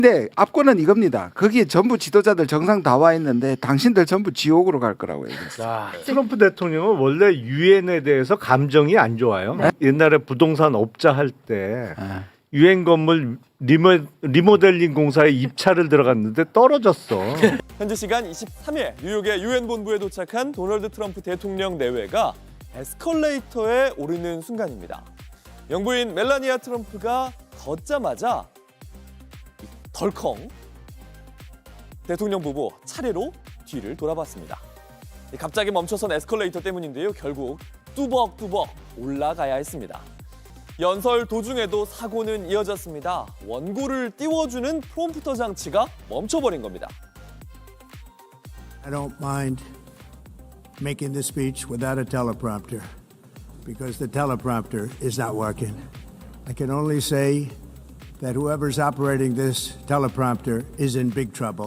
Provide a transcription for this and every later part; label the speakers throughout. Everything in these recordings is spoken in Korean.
Speaker 1: 근데 압권은 이겁니다. 거기에 전부 지도자들 정상 다 와 있는데 당신들 전부 지옥으로 갈 거라고 얘기했어요.
Speaker 2: 아,
Speaker 3: 트럼프 대통령은 원래 유엔에 대해서 감정이 안 좋아요.
Speaker 1: 네.
Speaker 3: 옛날에 부동산 업자 할 때
Speaker 1: 아.
Speaker 3: 유엔 건물 리모델링 공사에 입찰을 들어갔는데 떨어졌어.
Speaker 4: 현지 시간 23일 뉴욕의 유엔 본부에 도착한 도널드 트럼프 대통령 내외가 에스컬레이터에 오르는 순간입니다. 영부인 멜라니아 트럼프가 걷자마자 덜컹 대통령 부부 차례로 뒤를 돌아봤습니다. 갑자기 멈춰선 에스컬레이터 때문인데요. 결국 뚜벅뚜벅 올라가야 했습니다. 연설 도중에도 사고는 이어졌습니다. 원고를 띄워주는 프롬프터 장치가 멈춰버린 겁니다.
Speaker 5: I don't mind making the speech without a teleprompter because the teleprompter is not working. I can only say that whoever's operating this teleprompter is in big trouble.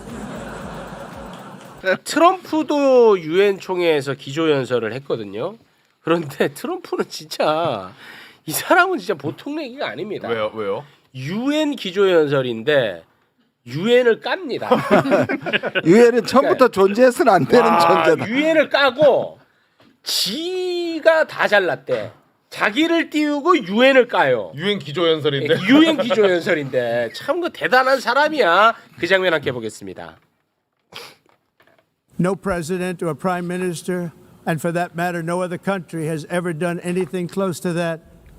Speaker 2: 트럼프도 유엔 총회에서 기조연설을 했거든요. 그런데 트럼프는 진짜 이 사람은 진짜 보통 얘기가 아닙니다.
Speaker 6: 왜요?
Speaker 2: 유엔 기조연설인데 유엔을 깝니다.
Speaker 1: 유엔은 처음부터 존재해서는 안 되는 존재다.
Speaker 2: 유엔을 까고 지가 다 잘났대. 자기를 띄우고 유엔을 까요.
Speaker 6: 유엔 기조연설인데.
Speaker 2: 유엔 기조연설인데 참 그 대단한 사람이야. 그 장면 함께 보겠습니다.
Speaker 5: No president or prime minister, and for that matter, no other country has ever done anything close to that.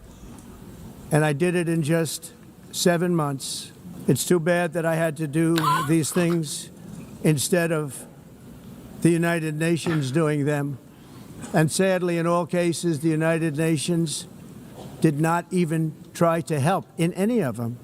Speaker 5: And I did it in just 7 months. It's too bad that I had to do these things instead of the United Nations doing them. And sadly, in all cases, the United Nations did not even try to help in any of them.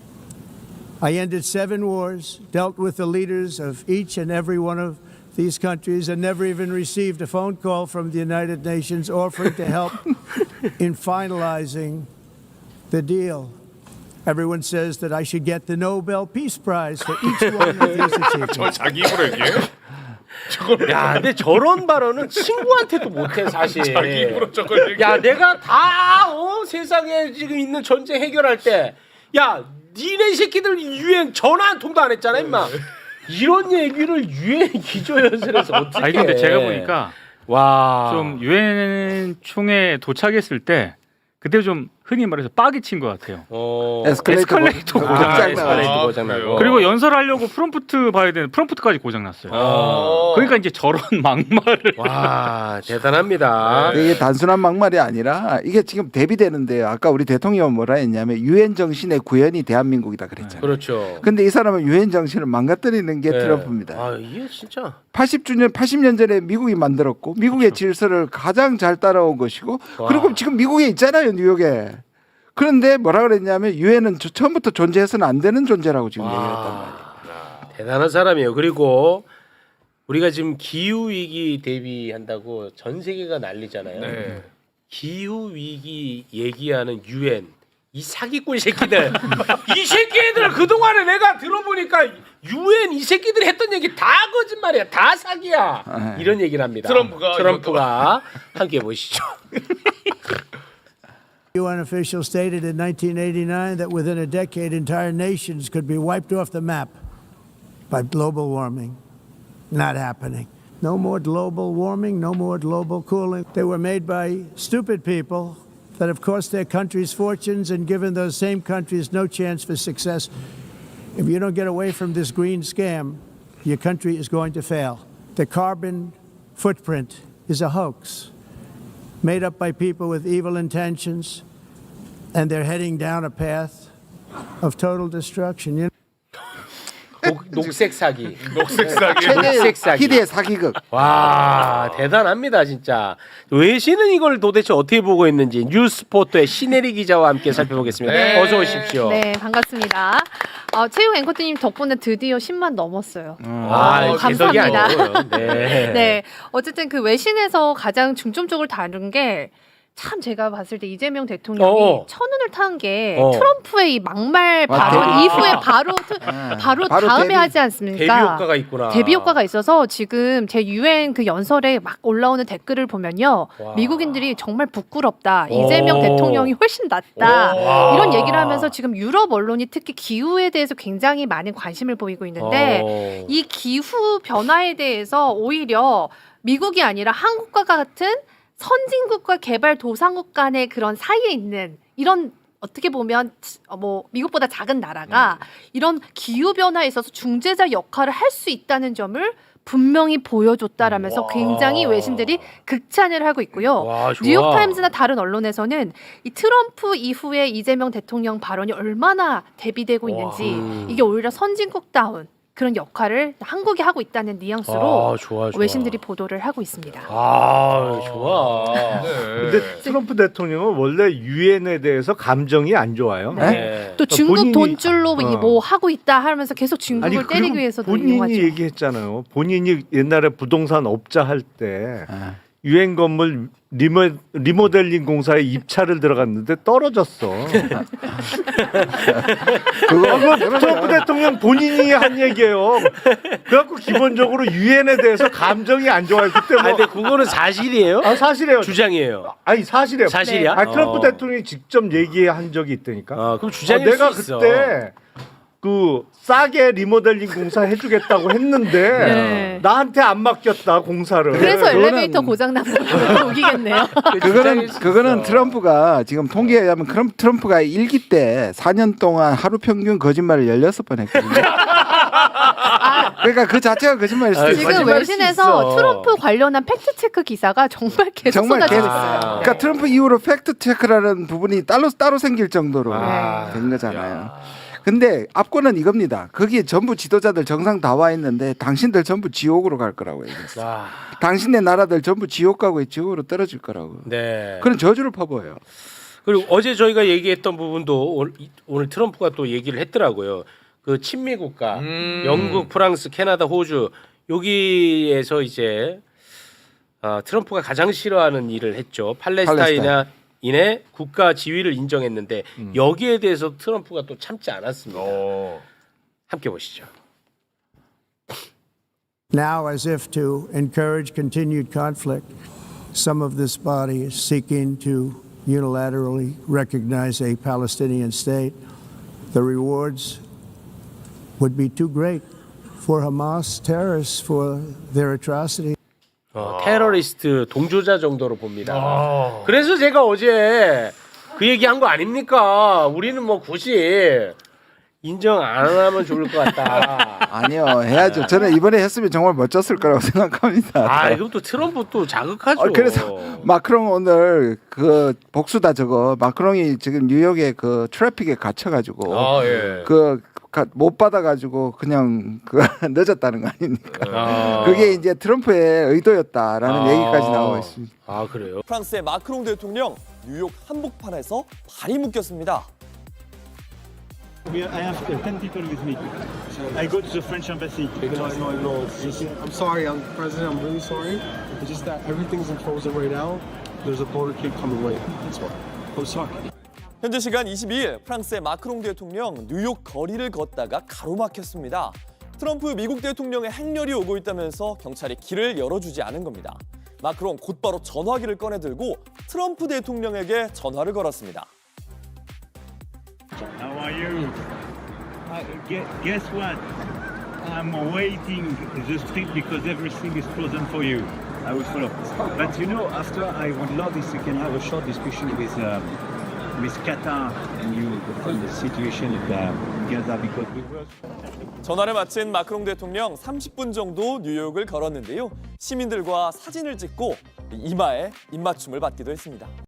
Speaker 5: I ended 7 wars, dealt with the leaders of each and every one of these countries, and never even received a phone call from the United Nations offering to help in finalizing the deal. Everyone says that I should get the Nobel Peace Prize for each one of these achievements.
Speaker 6: 저 자기 입으로 얘기해요?
Speaker 2: 야, 근데 저런 발언은 친구한테도 못해 사실.
Speaker 6: 자기 입으로 저걸 얘기해.
Speaker 2: 야, 내가 다 세상에 지금 있는 전쟁 해결할 때, 야, 니네 새끼들 유엔 전화 한 통도 안 했잖아, 임마. 이런 얘기를 유엔 기조연설에서 어떻게?
Speaker 7: 아니 근데 제가 보니까
Speaker 2: 와,
Speaker 7: 좀 유엔 총회에 도착했을 때 그때 좀 흔히 말해서 빡이 친 것 같아요. 에스컬레이터 고장
Speaker 2: 에스컬레이터 고장나고.
Speaker 7: 그리고 연설하려고 프롬프트 봐야 되는 프롬프트까지 고장났어요. 그러니까 이제 저런 막말을.
Speaker 2: 와, 대단합니다.
Speaker 1: 이게 단순한 막말이 아니라 이게 지금 대비되는데요. 아까 우리 대통령은 뭐라 했냐면 유엔 정신의 구현이 대한민국이다 그랬잖아요.
Speaker 2: 그렇죠.
Speaker 1: 근데 이 사람은 유엔 정신을 망가뜨리는 게
Speaker 2: 네.
Speaker 1: 트럼프입니다.
Speaker 2: 아, 이게 진짜
Speaker 1: 80년 전에 미국이 만들었고 미국의 질서를 가장 잘 따라온 것이고 그리고 지금 미국에 있잖아요, 뉴욕에. 그런데 뭐라 그랬냐면 유엔은 처음부터 존재해서는 안 되는 존재라고 지금 얘기했단 말이에요.
Speaker 2: 대단한 사람이에요. 그리고 우리가 지금 기후 위기 대비한다고 전 세계가 난리잖아요.
Speaker 6: 네.
Speaker 2: 기후 위기 얘기하는 유엔 이 사기꾼 새끼들. 이 새끼들 그동안에 내가 들어보니까 유엔 이 새끼들이 했던 얘기 다 거짓말이야. 다 사기야. 이런 얘기를 합니다. 트럼프가 함께 보시죠.
Speaker 5: UN officials stated in 1989 that within a decade, entire nations could be wiped off the map by global warming. Not happening. No more global warming, no more global cooling. They were made by stupid people that have cost their countries fortunes and given those same countries no chance for success. If you don't get away from this green scam, your country is going to fail. The carbon footprint is a hoax made up by people with evil intentions, and they're heading down a path of total destruction. You know?
Speaker 2: 녹색 사기.
Speaker 6: 녹색 사기.
Speaker 2: 녹색 사기.
Speaker 1: 희대의 사기극.
Speaker 2: 와, 대단합니다 진짜. 외신은 이걸 도대체 어떻게 보고 있는지 뉴스포터의 신혜리 기자와 함께 살펴보겠습니다.
Speaker 6: 네.
Speaker 2: 어서 오십시오.
Speaker 8: 네, 반갑습니다. 체육 앵커님 덕분에 드디어 10만 넘었어요.
Speaker 2: 개석이
Speaker 8: 감사합니다.
Speaker 2: 아니고요. 네.
Speaker 8: 네, 어쨌든 그 외신에서 가장 중점적으로 다룬 게 참 제가 봤을 때 이재명 대통령이 첫눈을 탄 게
Speaker 2: 어.
Speaker 8: 트럼프의 이 막말
Speaker 1: 맞아.
Speaker 8: 발언 이후에 바로
Speaker 1: 바로
Speaker 8: 다음에
Speaker 1: 데뷔.
Speaker 8: 하지 않습니까?
Speaker 2: 데뷔 효과가 있구나.
Speaker 8: 데뷔 효과가 있어서 지금 제 유엔 그 연설에 막 올라오는 댓글을 보면요.
Speaker 2: 와.
Speaker 8: 미국인들이 정말 부끄럽다.
Speaker 2: 오.
Speaker 8: 이재명 대통령이 훨씬 낫다.
Speaker 2: 와.
Speaker 8: 이런 얘기를 하면서 지금 유럽 언론이 특히 기후에 대해서 굉장히 많은 관심을 보이고 있는데 이 기후 변화에 대해서 오히려 미국이 아니라 한국과 같은 선진국과 개발도상국 간의 그런 사이에 있는 이런 어떻게 보면 뭐 미국보다 작은 나라가 이런 기후 변화에 있어서 중재자 역할을 할 수 있다는 점을 분명히 보여줬다라면서 굉장히 외신들이 극찬을 하고 있고요.
Speaker 2: 와, 좋아.
Speaker 8: 뉴욕타임즈나 다른 언론에서는 이 트럼프 이후에 이재명 대통령 발언이 얼마나 대비되고 있는지 이게 오히려 선진국다운 그런 역할을 한국이 하고 있다는 뉘앙스로
Speaker 2: 좋아.
Speaker 8: 외신들이 보도를 하고 있습니다.
Speaker 2: 좋아.
Speaker 3: 근데 트럼프 대통령은 원래 유엔에 대해서 감정이 안 좋아요.
Speaker 2: 네.
Speaker 8: 또 중국
Speaker 3: 본인이-
Speaker 8: 돈줄로 뭐 하고 있다 하면서 계속 중국을
Speaker 3: 그리고
Speaker 8: 때리기 위해서도
Speaker 3: 본인이
Speaker 8: 이용하죠.
Speaker 3: 얘기했잖아요. 본인이 옛날에 부동산 업자 할 때 유엔 건물 리모델링 공사에 입찰을 들어갔는데 떨어졌어. 그거 트럼프 대통령 본인이 한 얘기예요. 그래갖고 기본적으로 유엔에 대해서 감정이 안 좋아요. 그때 뭐
Speaker 2: 근데 그거는 사실이에요?
Speaker 3: 사실이에요.
Speaker 2: 주장이에요.
Speaker 3: 아니 사실이에요.
Speaker 2: 사실이야?
Speaker 3: 아니, 트럼프 대통령이 직접 얘기한 적이 있다니까.
Speaker 2: 그럼 주장일
Speaker 3: 내가
Speaker 2: 수 있어.
Speaker 3: 그때 그 싸게 리모델링 공사 해주겠다고 했는데
Speaker 8: 네.
Speaker 3: 나한테 안 맡겼다 공사를.
Speaker 8: 그래서
Speaker 1: 그거는-
Speaker 8: 엘리베이터 고장 나서 우기겠네요.
Speaker 1: 그거는 트럼프가 지금 통계에 의하면 트럼프가 1기 때 4년 동안 하루 평균 거짓말을 16번 했거든요. 그러니까 그 자체가 거짓말일 수도 있어요.
Speaker 8: 지금
Speaker 2: 거짓말일 수
Speaker 8: 외신에서
Speaker 2: 있어.
Speaker 8: 트럼프 관련한 팩트 체크 기사가 정말 계속
Speaker 1: 정말
Speaker 8: 쏟아지고
Speaker 1: 계속.
Speaker 8: 있어요.
Speaker 1: 그러니까 트럼프 이후로 팩트 체크라는 부분이 따로 생길 정도로
Speaker 2: 아.
Speaker 1: 된 거잖아요. 근데 압권은 이겁니다. 거기에 전부 지도자들 정상 다 와 있는데 당신들 전부 지옥으로 갈 거라고 얘기했어요. 당신네 나라들 전부 지옥 가고 지옥으로 떨어질 거라고.
Speaker 2: 네.
Speaker 1: 그런 저주를 퍼부어요.
Speaker 2: 그리고 어제 저희가 얘기했던 부분도 오늘 트럼프가 또 얘기를 했더라고요. 그 친미 국가 영국, 프랑스, 캐나다, 호주 여기에서 이제 트럼프가 가장 싫어하는 일을 했죠. 팔레스타인의 국가 지위를 인정했는데 여기에 대해서 트럼프가 또 참지 않았습니다. 함께 보시죠.
Speaker 5: Now, as if to encourage continued conflict, some of this body is seeking to unilaterally recognize a Palestinian state. The rewards would be too great for Hamas terrorists for their atrocities.
Speaker 2: 테러리스트 동조자 정도로 봅니다. 그래서 제가 어제 그 얘기한 거 아닙니까? 우리는 뭐 굳이 인정 안 하면 좋을 것 같다.
Speaker 1: 아니요, 해야죠. 저는 이번에 했으면 정말 멋졌을 거라고 생각합니다.
Speaker 2: 이것도 트럼프 또 자극하죠.
Speaker 1: 그래서 마크롱 오늘 그 복수다 저거 마크롱이 지금 뉴욕에 그 트래픽에 갇혀가지고 못 받아가지고 그냥 늦었다는 거 아닙니까? 그게 이제 트럼프의 의도였다라는 얘기까지 나오고 있습니다.
Speaker 2: 그래요?
Speaker 4: 프랑스의 마크롱 대통령 뉴욕 한복판에서 발이 묶였습니다.
Speaker 9: I have 10 people with me. I go to the French embassy.
Speaker 10: I'm sorry, President. I'm really sorry. It's just that everything's frozen right now. There's a motorcade coming right. That's why. I'm sorry.
Speaker 4: 현재 시간 22일 프랑스의 마크롱 대통령 뉴욕 거리를 걷다가 가로막혔습니다. 트럼프 미국 대통령의 행렬이 오고 있다면서 경찰이 길을 열어주지 않은 겁니다. 마크롱 곧바로 전화기를 꺼내들고 트럼프 대통령에게 전화를 걸었습니다.
Speaker 9: How are you? Guess what? I'm waiting the street because everything is frozen for you. I will follow. But you know, after I would love if we can have a short discussion with Qatar and you on the situation in Gaza because we were.
Speaker 4: 전화를 마친 마크롱 대통령 30분 정도 뉴욕을 걸었는데요. 시민들과 사진을 찍고 이마에 입맞춤을 받기도 했습니다.